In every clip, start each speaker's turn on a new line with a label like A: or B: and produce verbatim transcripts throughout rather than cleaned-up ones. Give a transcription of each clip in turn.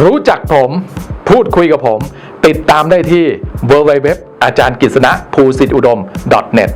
A: รู้จักผมพูดคุยกับผมติดตามได้ที่ ดับเบิลยู ดับเบิลยู ดับเบิลยู ดอท อาจารย์กฤษณะ ภูสิทธิอุดม ดอท เน็ต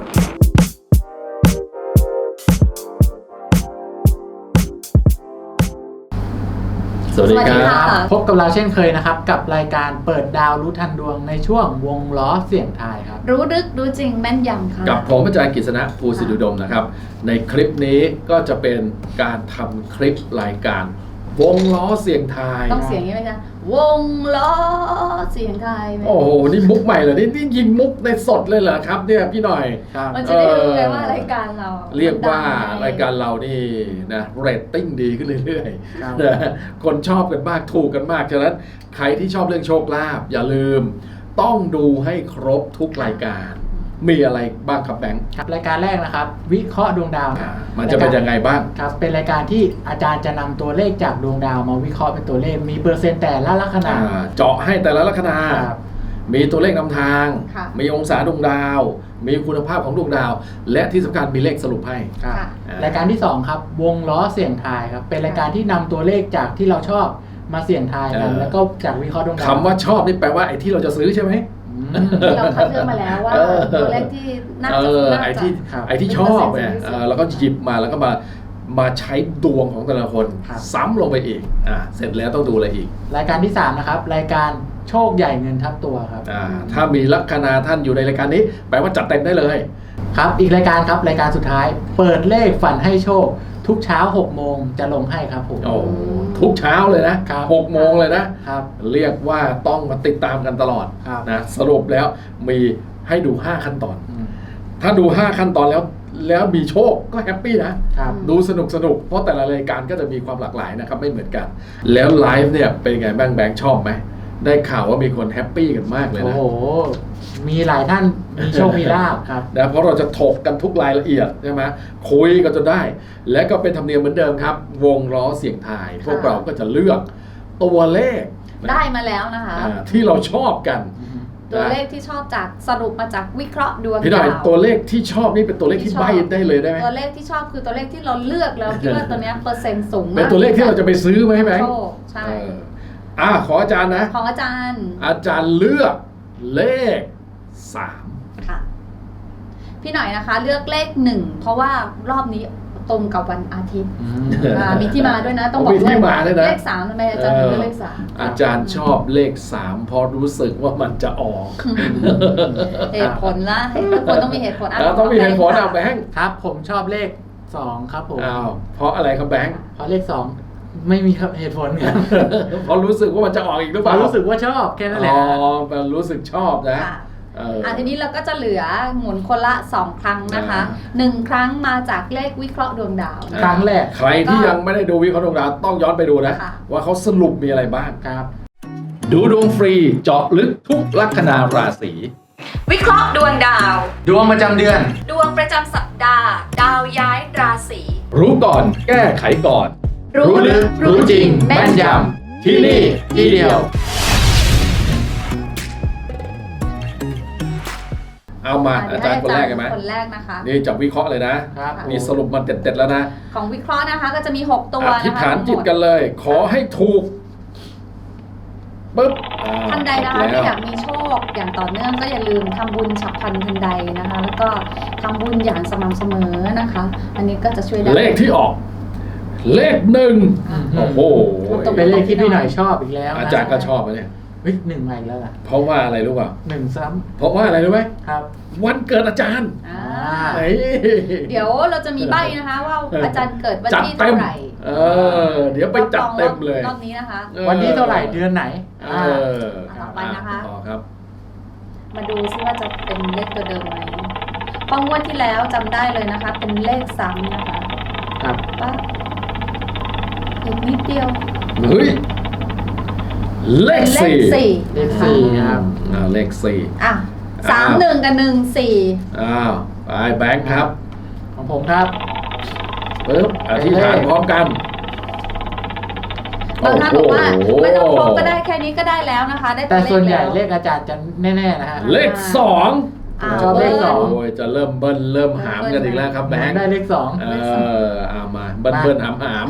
B: สวัสดีครับ
C: พบกับเราเช่นเคยนะครับกับรายการเปิดดาวรู้ทันดวงในช่วงวงล้อเสี่ยงทายครับ
D: รู้ลึกรู้จริงแม่นยำค่ะ
B: กับผมอาจารย์กฤษณะ ภูสิทธิอุดมนะครับในคลิปนี้ก็จะเป็นการทำคลิปรายการวงล้อเสี่ยงทาย
D: ต้องเสียงนี้ไหมจ๊ะวงล้อเสียงทายไหม
B: โอ้โหนี่มุกใหม่เหรอนี่นี่ยิงมุกในสดเลยเหรอครับเนี่ยพี่หน่อย
D: มันจะได้รู้ไงว่ารายการเรา
B: เรียกว่ารายการเรานี่นะเรตติ้งดีขึ้นเรื่อยๆนะคนชอบกันมากถูกกันมากฉะนั้นใครที่ชอบเรื่องโชคลาภอย่าลืมต้องดูให้ครบทุกรายการมีอะไรบ้างครับแบงค์
C: ครับรายการแรกนะครับวิเคราะห์ดวงดาว
B: มันจะเป็นยังไงบ้าง
C: ครับเป็นรายการที่อาจารย์จะนำตัวเลขจากดวงดาวมาวิเคราะห์เป็นตัวเลขมีเปอร์เซ็นต์แต่ละลัคนา
B: เจาะให้แต่ละลัคนามีตัวเลขนำทางมีองศาดวงดาวมีคุณภาพของดวงดาวและที่สำคัญมีเลขสรุปให้
C: รายการที่สองครับวงล้อเสี่ยงทายครับเป็นรายการที่นำตัวเลขจากที่เราชอบมาเสี่ยงทายกันแล้วก็จากวิเคราะห์ดวงดาว
B: คำว่าชอบนี่แปลว่าไอ้ที่เราจะซื้อใช่ไหม
D: เราคัดเลือกมาแล้วว่าตัวเลขที่น่าจะ
B: ไอ้ที่ไอ้ที่ชอบเนี่ยแล้วก็หยิบมาแล้วก็มามาใช้ดวงของแต่ละคนซ้ำลงไปอีกอ่าเสร็จแล้วต้องดูอะไรอีก
C: รายการที่สามนะครับรายการโชคใหญ่เงินทับตัวครับ
B: อ่าถ้ามีลัคนาท่านอยู่ในรายการนี้แปลว่าจัดเต็มได้เลย
C: ครับอีกรายการครับรายการสุดท้ายเปิดเลขฝันให้โชคทุกเช้าหกโมงจะลงให้ครับผม
B: โอ้ทุกเช้าเลยนะหกโมงเลยนะครับเรียกว่าต้องมาติดตามกันตลอดนะสรุปแล้วมีให้ดูห้าขั้นตอนถ้าดูห้าขั้นตอนแล้วแล้วมีโชคก็แฮปปี้นะดูสนุกสนุกเพราะแต่ละรายการก็จะมีความหลากหลายนะครับไม่เหมือนกันแล้วไลฟ์เนี่ยเป็นไงบ้างแบงค์ชอบไหมได้ข่าวว่ามีคนแฮปปี้กันมากเลยนะ
C: โอ้โหมีหลายท่านมีโชคมีลาภครับ
B: นะเพราะเราจะถกกันทุกรายละเอียดใช่ไหมคุยกันจนได้และก็เป็นธรรมเนียมเหมือนเดิมครับวงล้อเสี่ยงทายพวกเราก็จะเลือกตัวเลข
D: ได้มาแล้วนะคะ
B: ที่เราชอบกัน
D: ตัวเลขที่ชอบจากสรุปมาจากวิเคราะห์ดวงดาว
B: พี่หน่อยตัวเลขที่ชอบนี่เป็นตัวเลขที่ใบ้ได้เลยได้ไหม
D: ตัวเลขที่ชอบคือตัวเลขที่เราเลือกแล้วคิดว่าตัวนี้เปอร์เซ็นต์สูงมาก
B: เป็นตัวเลขที่เราจะไปซื้อไหมแบงค์
D: ใช่
B: อ่าขออาจารย์นะ
D: ของอาจารย์
B: อาจารย์เลือกเลขสาม
D: ค่ะพี่หน่อยนะคะเลือกเลขหนึ่งเพราะว่ารอบนี้ตรงกับวันอาทิตย์มีที่มาด้วยนะต้องบอก
B: ด้วยเล
D: ขสามทำไมอาจารย์ถึงเลือกเลขสาม
B: อาจารย์ชอบเลขสามเพราะรู้สึกว่ามันจะออก
D: เหตุผลละเหตุผลต้องมีเหตุผล
B: แล้วต้องมีเหตุผลเอาแบงค์
C: ครับผมชอบเลขสองครับผม
B: อ้าวเพราะอะไรครับแบงค์
C: เพราะเลขสองไม่มีเหตุผลครับ
B: เพราะรู้สึกว่ามันจะออกอีกหรือเปล่า
C: รู้สึกว่าชอบแค่นั้นแหละ
B: อ๋อมันรู้สึกชอบนะ
D: อ่าทีนี้เราก็จะเหลือหมุนคนละสองครั้งนะคะหนึ่งครั้งมาจากเลขวิเคราะห์ดวงดาว
C: ครั้งแรก
B: ใครที่ยังไม่ได้ดูวิเคราะห์ดวงดาวต้องย้อนไปดูนะว่าเขาสรุปมีอะไรบ้าง
C: ครับ
B: ดูดวงฟรีเจาะลึกทุกลัคนาราศี
D: วิเคราะห์ดวงดาว
C: ดวงประจำเดือน
D: ดวงประจำสัปดาห์ดาวย้ายราศี
B: รู้ก่อนแก้ไขก่อน
C: รู้ลึกรู้จริงแม่นยำที่นี่ที่เดียว
B: เอามาอาจารย์คนแรกกันไหม
D: คนแรกนะคะ
B: นี่จับวิเคราะห์เลยนะนี่สรุปมันเด็ดๆแล้วนะ
D: ของวิเคราะห์นะคะก็จะมีหกตัวนะคะ
B: อธิษฐานจิตกันเลยขอให้ถูกปึ๊บ
D: ท่านใดนะคะที่อยากมีโชคอย่างต่อเนื่องก็อย่าลืมทำบุญฉับพลันทันใดนะคะแล้วก็ทำบุญอย่างสม่ำเสมอนะคะอันนี้ก็จะช่วยได้
B: เลขที่ออกเลขหนึ่งโอ้โห
C: เป็นเลขที่พี่หน่อยชอบอีกแล้ว
B: อาจารย์ก็ชอบนะเนี่ย
C: เฮ้ยหนึ่งใหม่แล้วล่ะ
B: เพราะว่าอะไรรู้ป่ะ
C: หนึ่งซ้ำ
B: เพราะว่าอะไรรู้ไหม
C: ครับ
B: วันเกิดอาจารย์
D: เดี๋ยวเราจะมีใบนะคะว่าอาจารย์เกิดวันที่เท่าไหร่
B: เออเดี๋ยวไปจัดเต็มเลย
D: รอบนี้นะคะ
C: วันที่เท่าไหร่เดือนไหน
B: เออ
D: ต่อไปนะคะ
B: ครับ
D: มาดูซิว่าจะเป็นเลขตัวเดิมไหมเพราะงวดที่แล้วจำได้เลยนะคะเป็นเลขซ้ำนะคะ
C: ครับ
D: ปั๊บอีกนิดเดียว
B: เฮ้ยเลขสี่
C: เลขสี่ครับ
B: อ่าเลขสี่
D: อ่ะสามหนึ่งกับหนึ่งสี่
B: อ้าวไปแบงค์ครับ
C: ของผมครับ
B: ปึ๊บอธิษฐานพร้อมกัน
D: บางท่านบอกว่าไม่ต้องครบก็ได้แค่นี้ก็ได้แล้วนะคะได้
C: แต่ส่วนใหญ่เลขอาจารย์จะแน่ๆนะฮะ
B: เลขสอง
C: ชอบเลขสอง
B: โอ้ยจะเริ่มเบิ้ลเริ่มหามกันอีกแล้วครับแบงค์
C: ได้เลขสอง
B: เออเอามาเบิ้ลเบิ้ลหามหาม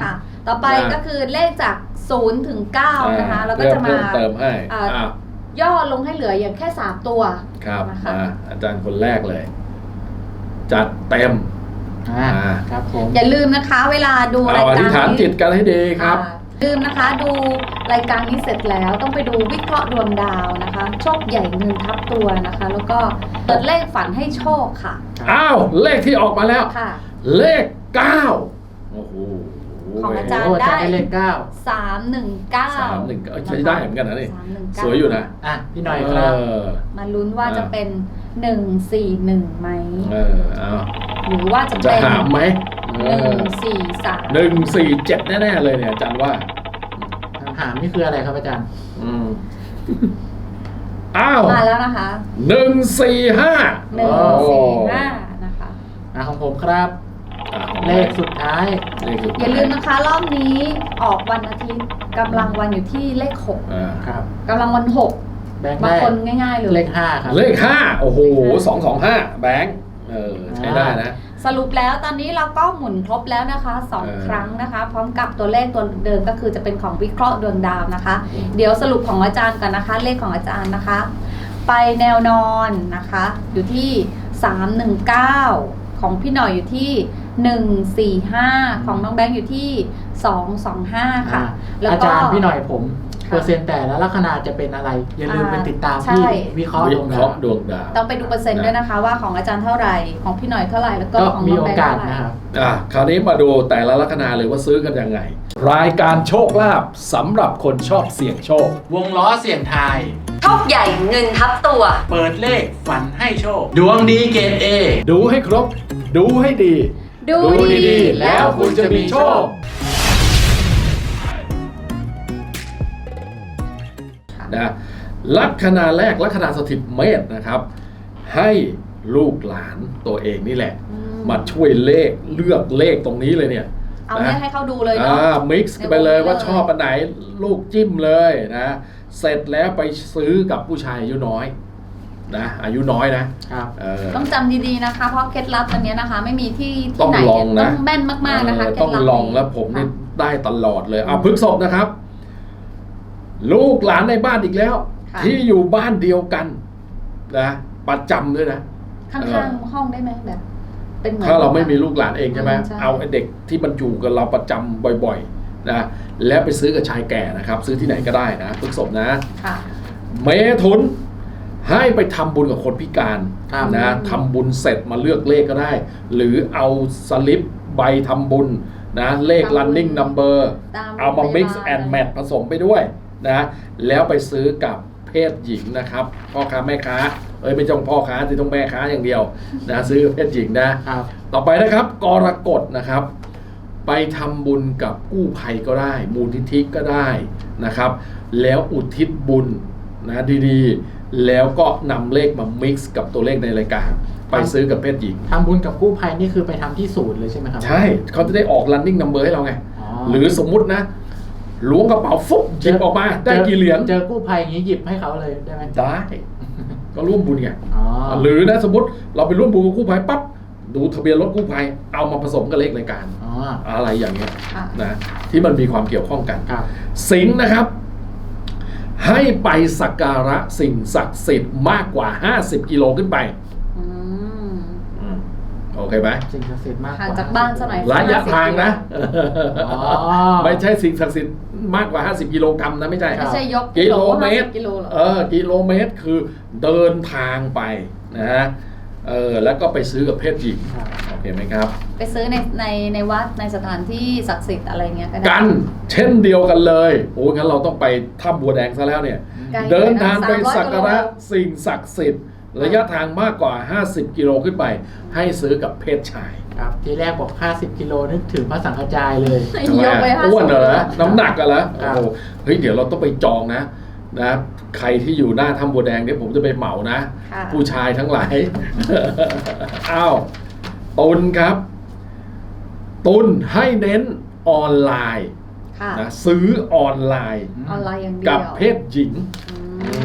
D: ต่อไป
B: นะ
D: ก็คือเลขจากศูนย์ถึงเก้านะคะแล้วก็จะมา
B: เพิ่มเติมให้
D: อ่า
B: อ่า
D: ย่อลงให้เหลืออย่างแค่สามตัว
B: ครับ
D: นะคะ
B: มาอาจารย์คนแรกเลย จัดเต็ม
C: อ่า
B: อ่า
C: ครับผม
D: อย่าลืมนะคะ เวลาดู
B: เอา
D: ราย
B: อ
D: การ
B: ธิษฐาน
D: นี้
B: จิตกันให้ดีครับ
D: อ่าลืมนะคะดูรายการนี้เสร็จแล้วต้องไปดูวิเคราะห์ดวงดาวนะคะ โชคใหญ่เงินทับตัวนะคะ แล้วก็เปิดเลขฝันให้โชคค่ะ
B: อ้าว เลขที่ออกมาแล้ว
D: ค่ะ
B: เลขเก้าโอ้โห
D: ของอาจารย์
C: โอ้อาจารย์ได้เลขเก้า
D: สามหนึ่งเก้า
B: สามหนึ่งเอ้ยใช้ได้เหมือนกันนะนี่
D: สามหนึ่งเก้า
B: สวยอยู่นะ
C: อ่ะพี่หน่อยครับ
B: เออ
D: มาลุ้นว่าจะเป็นหนึ่งสี่หนึ่งไหม
B: เออเอา
D: หรือว่าจะ
B: จะ
D: เป็น
B: หามไหม
D: หนึ่งสี่สาม
B: หนึ่งสี่เจ็ดแน่ๆเลยเนี่ยอาจารย์ว่า
C: หามนี่คืออะไรครับอาจารย์
B: อืมอ้าว
D: มาแล้วนะคะ
B: หนึ่งสี่ห้า
D: หนึ่งสี่ห้านะคะ
C: อ่ะของผมครับ เลขสุดท้าย
B: เลขสุด
D: อย่าลืมนะคะรอบนี้ออกวันอาทิตย์กำลังวันอยู่ที่เลขหก
B: อ่า
C: ครับ
D: กำลังวันหก
C: แบงค์
D: บาง
C: ได้
D: คนง่ายๆเลย
C: เลขห้าครับ
B: เลขห้าโอ้โห
D: เลขห้า
B: สองสองห้าแบงค์เออใช้ได้นะ
D: สรุปแล้วตอนนี้เราก็หมุนครบแล้วนะคะสอง
B: เออ
D: ครั้งนะคะ พร้อมกับตัวเลขตัวเดิมก็คือจะเป็นของวิเคราะห์ดวงดาวนะคะ
B: อืม
D: เดี๋ยวสรุปของอาจารย์กันนะคะ เลขของอาจารย์นะคะ ไปแนวนอนนะคะ อยู่ที่สามหนึ่งเก้าของพี่หน่อยอยู่ที่หนึ่งสี่ห้าของน้องแบงค์อยู่ที่สองสองห้าค่ะ
C: อ่า
D: แล้ว
C: อา
D: ก็
C: จารย์พี่หน่อยผม
D: ค่ะ
C: เปอร์เซ็นต์แต่ละลัคนาจะเป็นอะไร อย่าลืม
D: อ่า
C: ไปติดตาม
D: ใช่
C: ที่วิเคราะห์
B: วิ
C: ดวง
B: เค
C: ดา
B: ราะ
C: ว
B: ห์ดวงดาว
D: ต้องไปดูเปอร์เซ็นต์ด้วยนะคะ ว่าของอาจารย์เท่าไหร่ของพี่หน่อยเท่าไหร่แล้วก็
C: ก็
D: ของ
C: มี
D: น้อง
C: โอ
D: แบงค์
C: กาส
D: เท่าไหร่
C: นะครับ
B: อ่ะคราวนี้มาดูแต่ละลัคนาเลยว่าซื้อกันยังไง รายการโชคลาภสำหรับคนชอบเสี่ยงโชค
C: วงล้อเสี่ยงทาย
D: โชคใหญ่เงินทับตัว
C: เปิดเลขฝันให้โชค ดวงดีเกรดเอ
B: ดูให้ครบ ดูให้ดี
D: ดู
B: ดีๆ แล้วคุณจะมีโชคนะลัคนาแรกลัคนาสถิตเมษนะครับ ให้ลูกหลานตัวเองนี่แหละ
D: อืม
B: มาช่วยเลขเลือกเลขตรงนี้เลยเนี่ย
D: เอาเนี่ยให้เขาดูเลย
B: อ่า
D: เนาะ
B: มิกซ์ไปเลยว่าชอบอันไหนลูกจิ้มเลยนะเสร็จแล้วไปซื้อกับผู้ชายอายุน้อยนะอายุน้อยนะครับ เออ
D: ต้องจำดีๆนะคะ เพราะเคล็ดลับอันเนี้ยนะคะ ไม่มีที่
B: ต้
D: ที่
B: อง
D: ไหน
B: ลองนะ
D: ต้องแม่นมากๆนะคะ
B: เออ
D: เคล็
B: ต้
D: ด
B: อง
D: ลับ
B: ลองแล้วผมนี่ได้ตลอดเลยเอาพฤกษบนะครับ ลูกหลานในบ้านอีกแล้ว
D: ค่ะ
B: ที่อยู่บ้านเดียวกันนะประจำด้วยนะ
D: ข้างๆห้องได้ไหมแบบ เป็นเหมือน
B: ถ้าเราไม่มีลูกหลานเองใช่ไหม
D: อืมใช่
B: เอาไอ้เด็กที่มันอยู่กับเราประจำบ่อยๆนะแล้วไปซื้อกับชายแก่นะครับ ซื้อที่ไหนก็ได้นะพฤกษบนะ
D: ค่ะ
B: เมถุนให้ไปทำบุญกับคนพิการ
C: ครับ
B: นะทำบุญเสร็จมาเลือกเลขก็ได้ หรือเอาสลิปใบทำบุญนะเลข
D: ทำบุญ
B: running number
D: ตาม
B: เอามา
D: โรงพยาบาล
B: mix and match ผสมไปด้วยนะแล้วไปซื้อกับเพศหญิงนะครับพ่อค้าแม่ค้าเอ้ยไม่ต้องพ่อค้าที่ต้องแม่ค้าอย่างเดียวนะซื้อกับเพศหญิงนะ
C: ครับ
B: ต่อไปนะครับกรกฎนะครับ ไปทำบุญกับกู้ภัยก็ได้ มูลนิธิก็ได้นะครับ แล้วอุทิศบุญนะดีๆ แล้วก็นำเลขมา mix กับตัวเลขในรายการ ไปซื้อกับเพศหญิง
C: ทำบุญกับกู้ภัยนี่คือไปทำที่ศูนย์เลยใช่ไหมครับ
B: ใช่เขาจะได้ออก running number ให้เราไง
C: อ๋อ
B: หรือสมมุตินะล้วงกระเป๋าฟุบหยิบออกมาได้กี่เหรียญ
C: เจอกู้ภัยอย่างนี้หยิบให้เขาเลยได้ไหม
B: ได้ ก็ร่วมบุญไง
C: อ๋อ
B: หรือนะสมมติเราไปร่วมบุญกับกู้ภัยปั๊บดูทะเบียนรถกู้ภัยเอามาผสมกับเลขรายการ
C: อ๋อ
B: อะไรอย่างเงี้ย
D: ค่ะ
B: นะที่มันมีความเกี่ยวข้องกัน
C: ครับ
B: สิงห์นะครับ ให้ไปสักการะสิ่งศักดิ์สิทธิ์มากกว่าห้าสิบกิโลขึ้นไป
D: อืม
B: อืมโอเคไหม
C: สิ่งศักดิ์สิทธิ์มาก
D: ห่างจากบ้านสักหน่อย
B: ระยะทางนะ
C: อ๋อ
B: ไม่ใช่สิ่งศักดิ์สิทธิ์มากกว่าห้าสิบกิโลกรัมนะไม่ใช่
D: ไม่ใช่ยก
B: กิโลเมตร
D: ห้าสิบกิโลหรอ
B: เออกิโลเมตรคือเดินทางไปนะฮะเออแล้วก็ไปซื้อกับเพศหญิง
C: ครับ
B: โอเคไหมครับ
D: ไปซื้อในในในวัดในสถานที่ศักดิ์สิทธิ์อะไรเงี้ยก็ได้
B: กันเช่นเดียวกันเลย โอ้งั้นเราต้องไปถ้ำบัวแดงซะแล้วเนี่ย
D: ไกล
B: เดินทางไป
D: สามร้อย
B: สักการะ
D: กิโล
B: สิ่งศักดิ์สิทธิ์ระยะทางมากกว่าห้าสิบกิโลขึ้นไป ให้ซื้อกับเพศชาย
C: ครับ ทีแรกบอก ห้าสิบกิโลนึกถึงพระสังฆจายเลย
D: ยกไปห้าสิบ
B: อ้วนเหรอน้ำหนักกันแล้ว
C: ครับ
B: โอ้โหเฮ้ยเดี๋ยวเราต้องไปจองนะนะใครที่อยู่หน้าถ้ำบัวแดงเนี่ยผมจะไปเหมานะ
D: ค่ะ
B: ผู้ชายทั้งหลาย อ้าวตุลครับ ตุลให้เน้นออนไลน์
D: ค่ะ
B: นะซื้อออนไลน์
D: ออนไลน์อย่างเดียว
B: กับเพศหญิง
D: อืม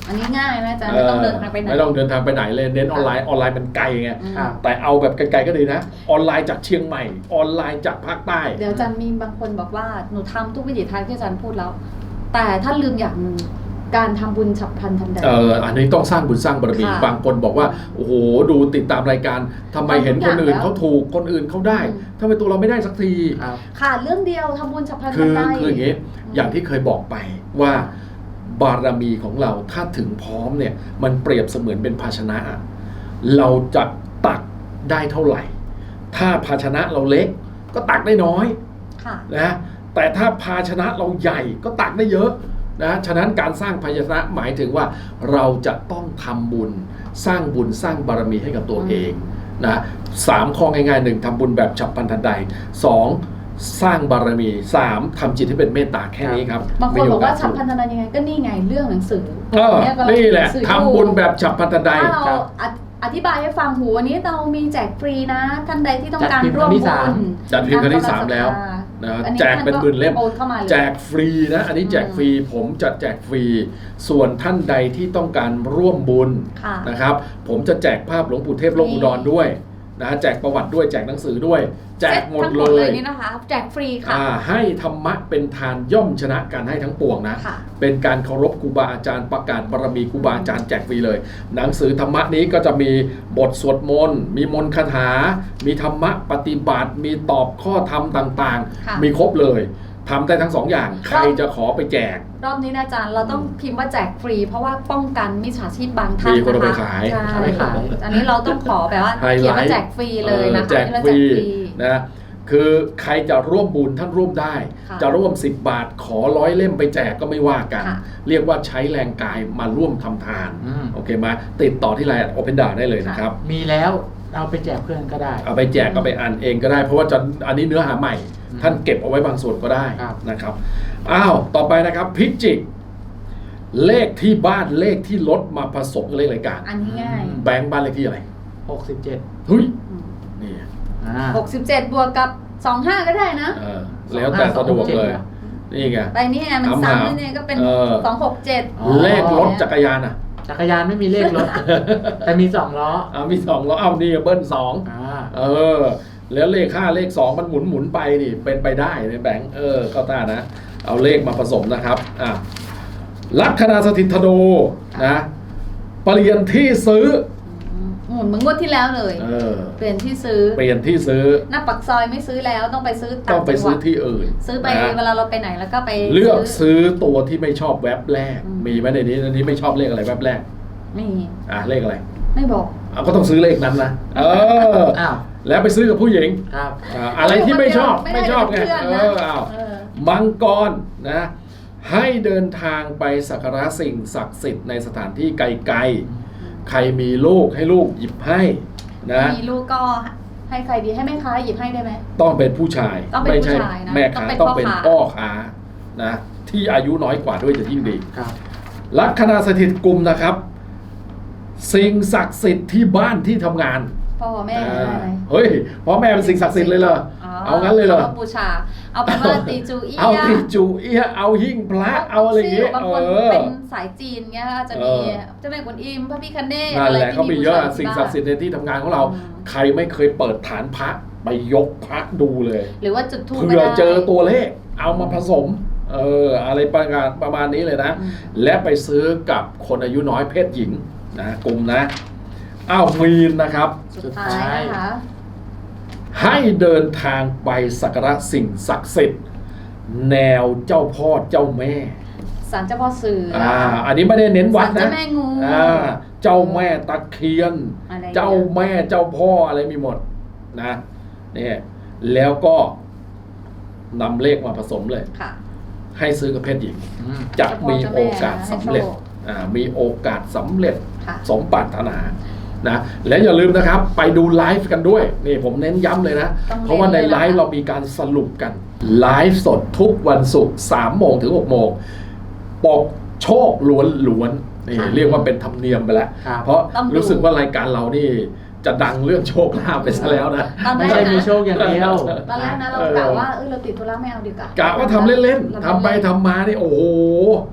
D: อันนี้ง่ายไหมอาจารย์ไม่ต้องเดินทางไปไหน
B: ไม่ต้องเดินทางไปไหนเลยเน้นออนไลน์ออนไลน์มันไกลไง
D: อืม
C: ครับ
B: แต่เอาแบบไกลๆก็ดีนะออนไลน์จากเชียงใหม่ออนไลน์จากภาคใต้
D: เดี๋ยวอาจารย์มีบางคนบอกว่าหนูทำทุกวิถีทางที่อาจารย์พูดแล้ว แต่ถ้าลืมอย่างหนึ่งการทำบุญฉับพลันทันใด
B: เอออันนี้ต้องสร้างบุญสร้างบารมี
D: ค่ะ
B: บางคนบอกว่าโอ้โหดูติดตามรายการทำไมเห็นคนอื่นเขาถูกคนอื่นเขาได้
D: อืม
B: ทำไมตัวเราไม่ได้สักที
C: ครับ
D: ขาดเรื่องเดียวทำบุญฉับพลัน
B: คื
D: ทัน
B: อ
D: ใด
B: คืออย่างนี้อย่างที่เคยบอกไปว่าบารมีของเราถ้าถึงพร้อมเนี่ยมันเปรียบเสมือนเป็นภาชนะ เราจะตักได้เท่าไหร่ ถ้าภาชนะเราเล็กก็ตักได้น้อย
D: ค่ะ
B: นะแต่ถ้าภาชนะเราใหญ่ก็ตักได้เยอะนะฉะนั้นการสร้างภาชนะหมายถึงว่าเราจะต้องทำบุญสร้างบุญสร้างบารมีให้กับตัวเองนะสามข้อง่ายๆหนึ่งทำบุญแบบฉับพลันทันใดสองสร้างบารมีสามทำจิตให้เป็นเมตตาแค่นี้ครับ
D: บางคนบอกว่าฉับพลั
B: น
D: นทันใดยังไงก็นี่ไงเรื่องหนังสือ
B: เออ
D: เยกำง
B: นี่แหละ
D: งสือ
B: ทำบุญแบบฉับพลันทันใด
D: ถ้าเรา
C: ครับ
D: อธิอธิบายให้ฟังหูวันนี้เรามีแจกฟรีนะ ท่านใดที่ต้องการ
C: จัดพิมพ์
D: ร่วม
C: ครั้งที่
D: บุ
C: สาม
D: ญ
B: จัดพิมพ์ครั้งที่สามแล้ว นะ
D: อันนี้
B: แจกเป็นหมื่นเล่ม
D: ท่าก็โอนเข้ามาเลย
B: แจกฟรีนะอันนี้แจกฟรีผมจะแจกฟรี ส่วนท่านใดที่ต้องการร่วมบุญ
D: ค่ะ
B: นะครับผมจะแจกภาพหลวงปู่เทพโลกอุดรด้วยนะแจกประวัติด้วยแจกหนังสือด้วย แจกหมด
D: ทั้ง
B: เลย
D: นี่นะคะ แจกฟรีค่ะ
B: อ่าให้ธรรมะเป็นทานย่อมชนะการให้ทั้งปวงนะ
D: ค่ะ
B: เป็นการเคารพครูบาอาจารย์ประกาศบารมีครูบาอาจารย์แจกฟรีเลย หนังสือธรรมะนี้ก็จะมีบทสวดมนต์มีมนต์คาถา มีธรรมะปฏิบัติ มีตอบข้อธรรมต่าง
D: ค่ะ
B: ๆ มีครบเลยทำได้ทั้งสองอย่างใครจะขอไปแจก
D: รอบนี้นะอาจารย์เราต้องพิมพ์ว่าแจกฟรี เพราะว่าป้องกันมิจฉาชีพบางท่าน
B: มีคนเอาไป
D: นะคะ
B: ขาย
D: ใช่
C: เอาไปขาย
D: อันนี้เราต้องขอแบบว่า
B: ไฮไลท์
D: เขียนว่าแจกฟรีเลยนะคะ
B: แจก
D: ที่เรา
B: ฟรี
D: แจกฟรี
B: นะคือใครจะร่วมบุญท่านร่วมได้
D: ค่ะ
B: จะร่วมสิบบาทขอร้อยเล่มไปแจกก็ไม่ว่ากัน
D: ค่ะ
B: เรียกว่าใช้แรงกายมาร่วมทำทาน
C: อืม
B: โอเคไหมติดต่อที่ไลน์โอเพนดาได้เลยนะครับ
C: มีแล้วเอาไปแจกเพื่อนก็ได้
B: เอาไปแจกก็ไปอ่านเองก็ได้ เพราะว่าจะอันนี้เนื้อหาใหม่
C: อืม
B: ท่านเก็บเอาไว้บางส่วนก็ได้
C: ครับ
B: นะครับอ้าวต่อไปนะครับพิจิก เลขที่บ้านเลขที่รถมาผสมกับเลขรายการ
D: อันนี้ง่าย
B: แบงค์บ้านเลขที่อะไร
C: หกสิบเจ็ด
B: เฮ้ย
D: อืม
B: นี่
C: อ่า
D: หกสิบเจ็ดบวกกับสองห้าก็ได้นะ
B: เออแล้วแต่สะดวกเลย
C: สองห้าสองหกเจ็ด
B: นี่ไง
D: ไปนี่ไงมัน
B: ถามหา
D: ซ้ำแล้วเนี่ยก็เป็น
B: เออ
D: สองหกเจ็ด
C: อ๋อ
B: เลขรถจักรยานอ่ะ
C: จักรยานไม่มีเลขรถ แต่มีสองล้อ
B: เอามีสองแล้วเอานี่เบิ้ลสอง
C: อ่า
B: เออ แล้วเลขห้าเลขสองมันหมุนหมุนไปนี่เป็นไปได้ในแบงค์เออเข้าท่านะ เอาเลขมาผสมนะครับอ่ะลัคนาสถิตธนูนะเปลี่ยนที่ซื้อ
D: หมุนเหมือนงวดที่แล้วเลย
B: เออ
D: เปลี่ยนที่ซื้อ
B: เปลี่ยนที่ซื้อ
D: หน้าปักซอยไม่ซื้อแล้วต้องไปซื้อ
B: ต้องไปซื้อ
D: จังหวัด
B: ที่อื่น
D: ซื้อไป
B: นะ
D: เวลาเราไปไหนแล้วก็ไป
B: เลือกซื้อตัวที่ไม่ชอบแว็บแรก
D: อืม
B: มีไหมในนี้ในนี้ไม่ชอบเลขอะไรแว็บแรก
D: ไม่
B: อ่ะเลขอะไร
D: ไม่บอก
B: เอาก็ต้องซื้อเลขนั้นนะเออ
C: อ้าว
B: แล้วไปซื้อกับผู้หญิง
C: ครับ
B: อ่ะอะไรที่ไม่ชอบ
D: ไม่
B: ไม่
D: ได้
B: ชอบไง
D: เป็นเพื่อน
B: เอ
D: นะ
B: อเอา
D: เออ
B: มังกรนะให้เดินทางไปสักการะสิ่งศักดิ์สิทธิ์ในสถานที่ไกลๆใครมีลูกให้ลูกหยิบให้นะ
D: มีลูกก็ให้ใครดีให้แม่ค้าหยิบให้ได้ไหม
B: ต้องเป็นผู้ชาย
D: ต้องเป็น
B: ไม่ใช่
D: ผู้ชายนะ
B: แม่ค้า
D: ต้
B: ต้อ
D: อง งเป็
B: เป็น
D: น
B: พ่อค้านะที่อายุน้อยกว่าด้วยจะยิ่งดี
C: ครับ
B: ลัคนาสถิตกุมนะครับ สิ่งศักดิ์สิทธิ์ที่บ้านที่ทำงาน
D: พ่อแม่
B: อ่า
D: อะไร
B: เฮ้ยพ่อแม่เป็นสิ่งศักดิ์สิทธิ์เลยเหรอเอางั้นเลยเหรอ
D: าบูชา เอาเป็นว่าตีจูเอีย
B: เอาที่จูเอียเอาหิ้งพระเอาอะไรอย่างเงี้ย
D: บาง
B: เอ
D: คน
B: อ
D: เป็นสายจีนเงี้ยจะมี
B: เออ
D: เจ้าแม่กวนอิมพระพิคเนศ
B: นั่นแหละเขามีเยอะ
D: บูชา
B: สิ่งศักดิ์สิทธิ์ในที่ทำงานของเรา
D: อืม
B: ใครไม่เคยเปิดฐานพระไปยกพระดูเลย
D: หรือว่าจุดทูป
B: เผื่อเจอตัวเลขเอามาผสมเอออะไรประการประมาณนี้เลยนะ
D: อืม
B: และไปซื้อกับคนอายุน้อยเพศหญิงนะกลุ่มนะอ้าวมีนนะครับ
D: สุดท้ายนะคะ
B: ให้เดินทางไปสักการะสิ่งศักดิ์สิทธิ์แนวเจ้าพ่อเจ้าแม่
D: ศาลเจ้าพ่อเสืออ
B: อ่าอันนี้ไม่ได้เน้นวัด
D: ศาล
B: นะ
D: เจ้าแม่งู
B: อ่าเจ้าแม่ตะเคียน
D: อะไรอย่างเงี้ย
B: เจ้าแม่เจ้าพ่ออะไรมีหมดนะเนี่ยแล้วก็นำเลขมาผสมเลย
D: ค่ะ
B: ให้ซื้อกับเพศหญิง
C: อืม
B: จะมีโอกาสสำเร็จ
D: ให้โชค
B: อ่ามีโอกาสสำเร็จ
D: ค่ะ
B: สมปรารถนานะและอย่าลืมนะครับ ไปดูไลฟ์กันด้วยนี่ผมเน้นย้ำเลยนะ
D: ต้องเน้น
B: เพราะว่าใน
D: เลยนะคะ
B: ไลฟ์เรามีการสรุปกันไลฟ์สดทุกวันศุกร์สามโมงถึงหกโมงปกโชคล้วนล้วนๆนี่เรียกว่าเป็นธรรมเนียมไปแล้ว
C: ครับ
B: เพราะ
D: ต้องดู
B: รู้สึกว่ารายการเรานี่จะดังเรื่องโชคลาภไปซะแล้วนะ
D: ตอนแร
C: ไม่
D: ก
C: ใช่มี
D: นะ
C: โชคอย่างเดียว
D: ตอนแรกนะเรา
B: เออ
D: กะว่าเออเราติดธุระไม่เอาดีกว่าก
B: ะว่าทำเล่นๆ
D: รา
B: ทำไปทำมานี่โอ้โห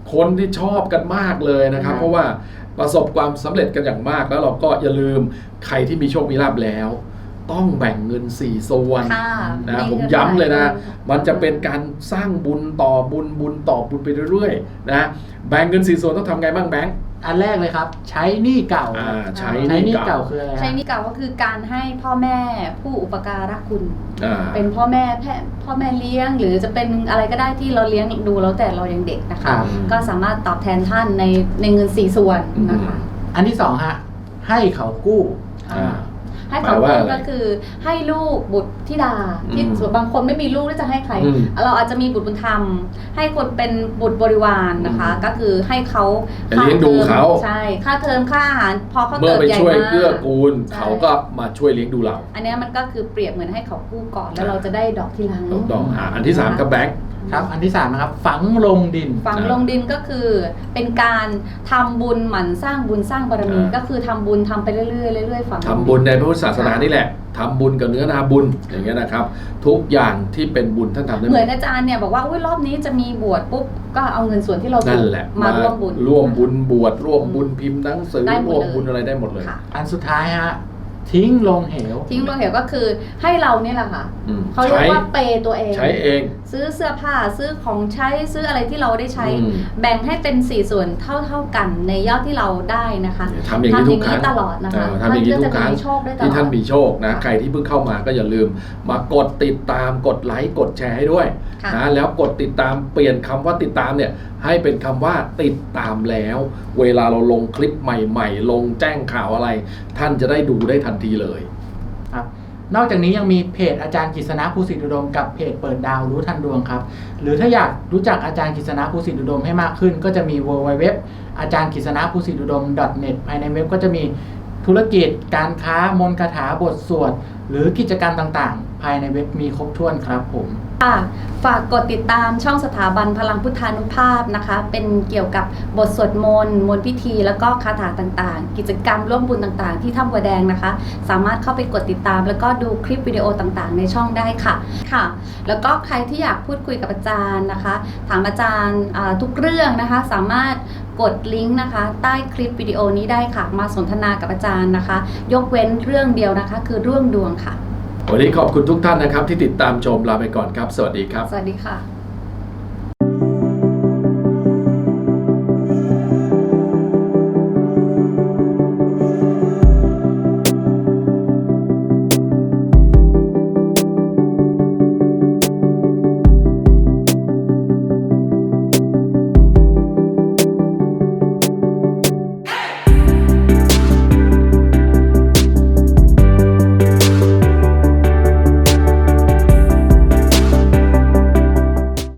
B: คนที่ชอบกันมากเลยนะครับ
D: ค่ะ
B: เพราะว่าประสบความสำเร็จกันอย่างมากแล้วเราก็อย่าลืมใครที่มีโชคมีลาภแล้ว ต้องแบ่งเงินสี่ส่วน
D: ค่ะ
B: นะ
D: มี
B: ผม
D: เงิน
B: ย้ำเลยนะ
D: หลายเดือน
B: มันจะเป็นการสร้างบุญต่อบุญบุญต่อบุญไปเรื่อยๆนะแบ่งเงินสี่ส่วนต้องทำไงบ้างแบงค์
C: อันแรกเลยครับ ใช้หนี้เก่า
B: อ่าใช้
C: ใช้
B: ห
C: ห
B: นี้
C: นี้
B: เก่า
C: เก่าคืออะไรฮะ
D: ใช้หนี้เก่าก็คือการให้พ่อแม่ผู้อุปการะคุณ
B: อ่า
D: เป็นพ่อแม่แพ่พ่อแม่เลี้ยง หรือจะเป็นอะไรก็ได้ที่เราเลี้ยงดูแล้วแต่เรายังเด็กนะ
C: ครั
D: คะ
C: บ
D: ก็สามารถตอบแทนท่านในในเงินสี่ส่วนนะคะ
C: อันที่สองฮะให้เขากู้
B: อ่า
D: ให้เขา
B: แปลว่า
D: กู้
B: อะไร
D: ก็คือให้ลูกบุตรธิดาที่
B: อืม
D: ส่วนบางคนไม่มีลูกแล้วจะให้ใคร
B: อืม
D: เราอาจจะมีบุตรบุญธรรม ให้คนเป็นบุตรบริวารนะคะ
B: อืม
D: ก็คือให้เขา
B: เลี้ยงดูเขา
D: ใช่ค่าเทอมค่าอาหารพอเขา
B: เมื่
D: เติ
B: อบ ไป
D: ใหญ่
B: ช่วย
D: มา
B: เกื้อก กูล
D: ใช่
B: เขาก็มาช่วยเลี้ยงดูเรา
D: อันเนี้ยมันก็คือเปรียบเหมือนให้เขากู้ก่อนแล้วเราจะได้ดอกทีหลัง
B: ถูกต้องอ่าอันที่สามกับแบงค์
C: ครับ อันที่สามนะครับ ฝังลงดิน
D: ฝังลงดินก็คือเป็นการทำบุญหมั่นสร้างบุญสร้างบารมี
B: อ่า
D: ก็คือทำบุญทำไปเรื่อยๆเรื่อยๆฝังลงดิน
B: ทำบุญในพระพุทธศาสนานี่แหละทำบุญกับเนื้อนาบุญอย่างเงี้ยนะครับ ทุกอย่างที่เป็นบุญท่านทำได้ห
D: เห
B: ม
D: มือ
B: ด
D: นอาจารย์เนี่ยบอกว่าอุ้ยรอบนี้จะมีบวชปุ๊บก็เอาเงินส่วนที่เรา
B: นั่
D: ถู
B: น
D: ก
B: แหละ
D: มาร่วมบุญ
B: ร่วมบุญบวชร่วมบุญพิมพ์หนังสือ
D: ได้หมด
B: ร่วม
D: เลย
B: บุญอะไรได้หมดเลย
D: ค่ะ
C: อันสุดท้ายฮะ ทิ้งลงเหว
D: ทิ้งลงเหวก็คือให้เราเนี่ยแหละค่ะ
B: อืม
D: เขาเรียก
B: ใช้
D: ว่าเปย์ตัวเอง
B: ใช้เอง
D: ซื้อเสื้อผ้าซื้อของใช้ซื้ออะไรที่เราได้ใช้
B: อืม
D: แบ่งให้เป็นสี่ส่วนเท่าเท่าๆกันในยอดที่เราได้นะคะ
B: ทำอย่างนี้ทุกครั้ง
D: ตลอดนะคะ
B: เออทำอย่างนี้ทุกครั้ง
D: ท่านก็จะมีโชคได้ตลอด
B: ที่ท่านมีโชคนะ
D: ค่ะ
B: ใครที่เพิ่งเข้ามาก็อย่าลืม มากดติดตามกดไลค์กดแชร์ให้ด้วย
D: ค่ะ
B: นะแล้วกดติดตามเปลี่ยนคำว่าติดตามเนี่ยให้เป็นคำว่าติดตามแล้ว เวลาเราลงคลิปใหม่ๆ ลงแจ้งข่าวอะไร ท่านจะได้ดูได้ทันทีเลย
C: ครับนอกจากนี้ยังมีเพจอาจารย์กฤษณะภูสิทธิอุดมกับเพจเปิดดาวรู้ทันดวงครับ หรือถ้าอยากรู้จักอาจารย์กฤษณะภูสิทธิอุดมให้มากขึ้น ก็จะมี ดับเบิลยู ดับเบิลยู ดับเบิลยู ดอท อาจารย์กฤษณะภูสิทธิอุดม ดอท เน็ต ภายในเว็บก็จะมีธุรกิจการค้ามนต์คาถาบทสวดหรือกิจกรรมต่างๆ ภายในเว็บมีครบถ้วนครับผม
D: ค่ะฝากกดติดตามช่องสถาบันพลังพุทธานุภาพนะคะ เป็นเกี่ยวกับบทสวดมนต์มนต์พิธีแล้วก็คาถาต่างๆ กิจกรรมร่วมบุญต่างๆ ที่ถ้ำบัวแดงนะคะ สามารถเข้าไปกดติดตาม แล้วก็ดูคลิปวิดีโอต่างๆ ในช่องได้ค่ะค่ะ แล้วก็ใครที่อยากพูดคุยกับอาจารย์นะคะ ถามอาจารย์อ่าทุกเรื่องนะคะ สามารถกดลิงก์นะคะ ใต้คลิปวิดีโอนี้ได้ค่ะ มาสนทนากับอาจารย์นะคะ ยกเว้นเรื่องเดียวนะคะ คือเรื่องดวงค่ะ
B: วันนี้ขอบคุณทุกท่านนะครับที่ติดตามชมลาไปก่อนครับ สวัสดีครับ
D: สวัสดีค่ะ